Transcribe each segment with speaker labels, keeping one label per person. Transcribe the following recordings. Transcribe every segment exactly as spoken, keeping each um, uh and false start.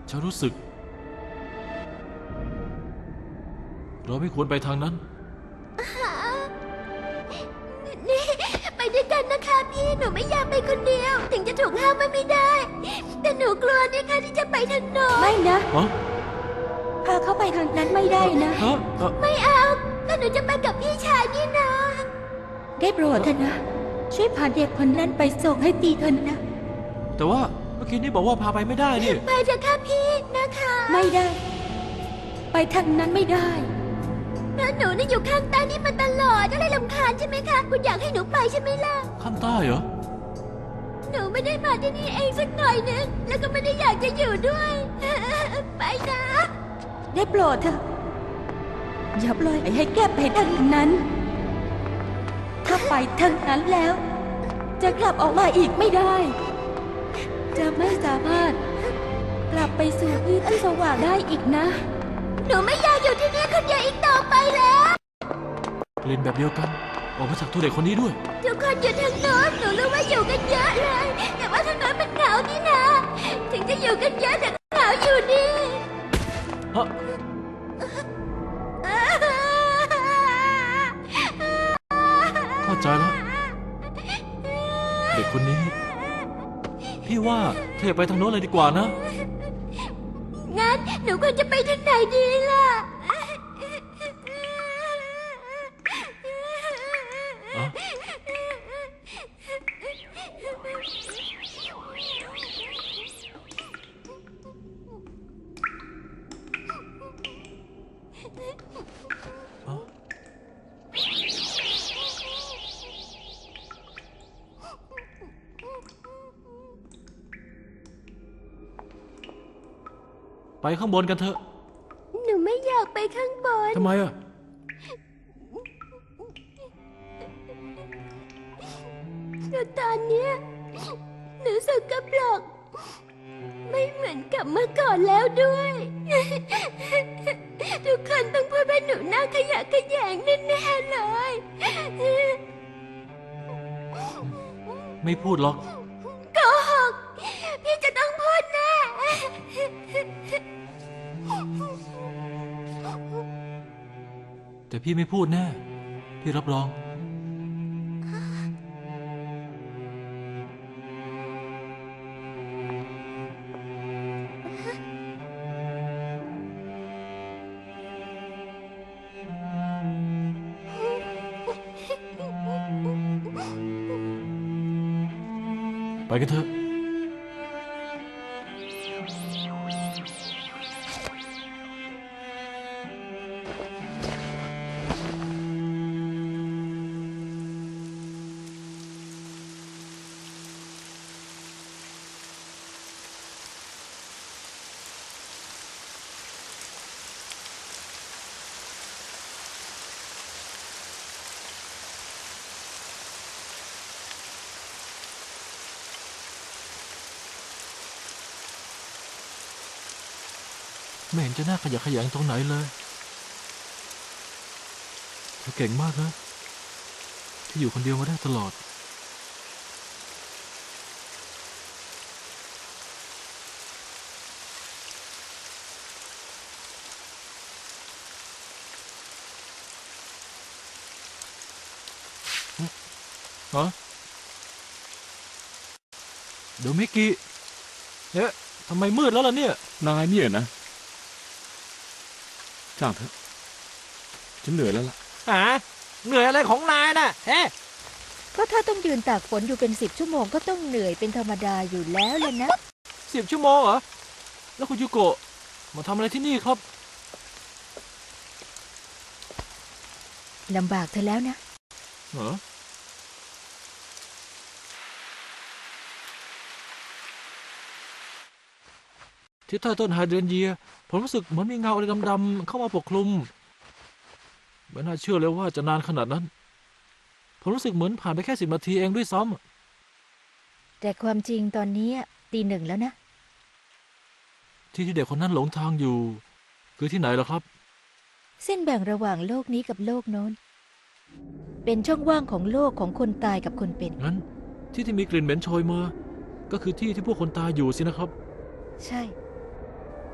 Speaker 1: ฉันรู้สึกเราไม่ควรไปทางนั้น
Speaker 2: นี่ไปด้วยกันนะคะพี่หนูไม่อยากไปคนเดียวถึงจะถูกห้ามไม่ได้แต่หนูกลัวนี่ค่ะที่จะไปทางโน้น
Speaker 3: ไม่นะ
Speaker 1: ฮะ
Speaker 3: พาเข้าไปทางนั้นไม่ได้นะ
Speaker 1: ฮะเอ่อ
Speaker 2: ไม่เอาก็หนูจะไปกับพี่ชายนี่นะ
Speaker 3: ได้โปรดเถอะนะ ช่วยพาเด็กคนนั้นไปส่งให้ตีเถอะนะ
Speaker 1: แต่ว่าเมื่อกี้นี่บอกว่าพาไปไม่ได้นี่
Speaker 2: ไปเถอะค่ะพี่นะคะ
Speaker 3: ไม่ได้ ไปทางนั้นไม่ได้
Speaker 2: แล้วหนูนี่อยู่ข้างใต้นี่มาตลอดอะไรรำคาญใช่ไหมคะคุณอยากให้หนูไปใช่ไหมล่ะ
Speaker 1: ข้างใต้เหรอ
Speaker 2: หนูไม่ได้มาที่นี่เองสักหน่อยนึงแล้วก็ไม่ได้อยากจะอยู่ด้วย ไปนะ
Speaker 3: ได้โปรดเถอะอย่าปล่อยให้แก้ไปทางนั้น ถ้าไปทางนั้นแล้ว จะกลับออกมาอีกไม่ได้ จะไม่สามารถ กลับไปสู่พื้นที่สว่างได้อีกนะ
Speaker 2: หนูไม่อยากอยู่ที่นี่คนเดียวอีกต่อไปแล้ว
Speaker 1: กลิ่นแบบเดียวกัน ออกมาจากตัวเด็กคนนี้ด้วย
Speaker 2: ทุกคนอยู่ทางโน้นหนูรู้ว่าอยู่กันเยอะเลย แต่ว่าทางโน้นมันเหงานี่นะถึงจะอยู่กันเยอะแต่ก็เหงาอยู่ดี
Speaker 1: ฮะ เข้าใจแล้ว เด็กคนนี้ พี่ว่าเธออย่าไปทางโน้นเลยดีกว่านะ
Speaker 2: งั้นหนูควรจะไปทางไหนดีล่ะ
Speaker 1: อ๋อ อ๋อ ไปข้างบนกันเถอะ
Speaker 2: หนูไม่อยากไปข้างบน
Speaker 1: ทำไมอ่ะ
Speaker 2: แต่ตอนเนี้ยหนูสกปรกไม่เหมือนกับเมื่อก่อนแล้วด้วย ทุกคนต้องพูดว่าหนูหน้าขยะแขยงแน่ๆเลย
Speaker 1: ไม่พูดหรอก
Speaker 2: โกหกพี่จะต้องพูดแน่
Speaker 1: แต่พี่ไม่พูดแน่ พี่รับรอง ไปกันเถอะ ไม่เห็นจะน่าขยะแขยงตรงไหนเลยเธอเก่งมากนะที่อยู่คนเดียวมาได้ตลอด ฮะโดมิกิเอ๊ะทำไมมืดแล้วล่ะเนี่ย
Speaker 4: นายเนี่ยนะจ้างเถอะฉันเหนื่อยแล้วล่ะ
Speaker 5: หาเหนื่อยอะไรของนายน่ะเฮ้
Speaker 6: ก็ถ้าต้องยืนตากฝนอยู่เป็นสิบชั่วโมงก็ต้องเหนื่อยเป็นธรรมดาอยู่แล้วเลยนะ
Speaker 1: สิบชั่วโมงเหรอ แล้วคุณยูโกะมาทำอะไรที่นี่ครับ
Speaker 6: ลำบากเธอแล้วนะ
Speaker 1: เหรอ ที่ใต้ต้นไฮเดรนเยีย ผมรู้สึกเหมือนมีเงาอะไรดำๆเข้ามาปกคลุมไม่น่าเชื่อเลยว่าจะนานขนาดนั้น ผมรู้สึกเหมือนผ่านไปแค่สิบนาทีเองด้วยซ้ำ
Speaker 6: แต่ความจริงตอนนี้ตีหนึ่งแล้วนะ
Speaker 1: ที่ที่เด็กคนนั้นหลงทางอยู่ คือที่ไหนเหรอครับ
Speaker 6: เส้นแบ่งระหว่างโลกนี้กับโลกโน้น เป็นช่องว่างของโลกของคนตายกับคนเป็น
Speaker 1: งั้นที่ที่มีกลิ่นเหม็นโชยมา ก็คือที่ที่พวกคนตายอยู่สินะครับ
Speaker 6: ใช่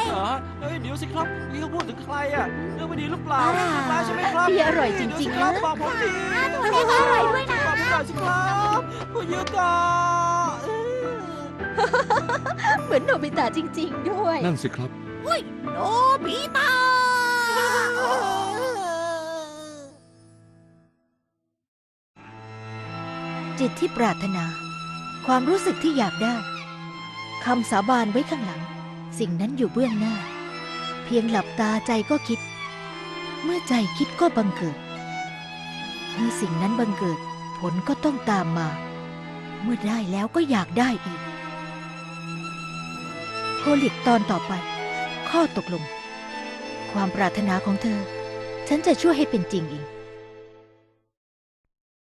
Speaker 5: เหรอเฮ้ยเดี๋ยวสิครับนี่เขาพูดถึงใครอ่ะเรื่องไม่ดีหรือเปล่า
Speaker 3: อ่า
Speaker 5: เรื่องร้ายใช่ไหมครับ
Speaker 3: เบียร์อร่อยจริงๆ
Speaker 5: เดี๋วสิครับ
Speaker 3: นะ
Speaker 5: บอกผมที
Speaker 2: ตัวเล็กอร่อยด้วยนะ
Speaker 5: บอกผมหน่อยสิครับคุณยูกะ
Speaker 3: เหมือนโนบิตะจริง ๆ ด้วย
Speaker 4: นั่นสิครับ
Speaker 7: โนบิตะ
Speaker 6: จิตที่ปรารถนา ความรู้สึกที่อยากได้คำสาบานไว้ข้างหลัง สิ่งนั้นอยู่เบื้องหน้า เพียงหลับตาใจก็คิด เมื่อใจคิดก็บังเกิด เมื่อสิ่งนั้นบังเกิด ผลก็ต้องตามมา เมื่อได้แล้วก็อยากได้อีกโคลิกตอนต่อไป ข้อตกลง ความปรารถนาของเธอ ฉันจะช่วยให้เป็นจริงเอง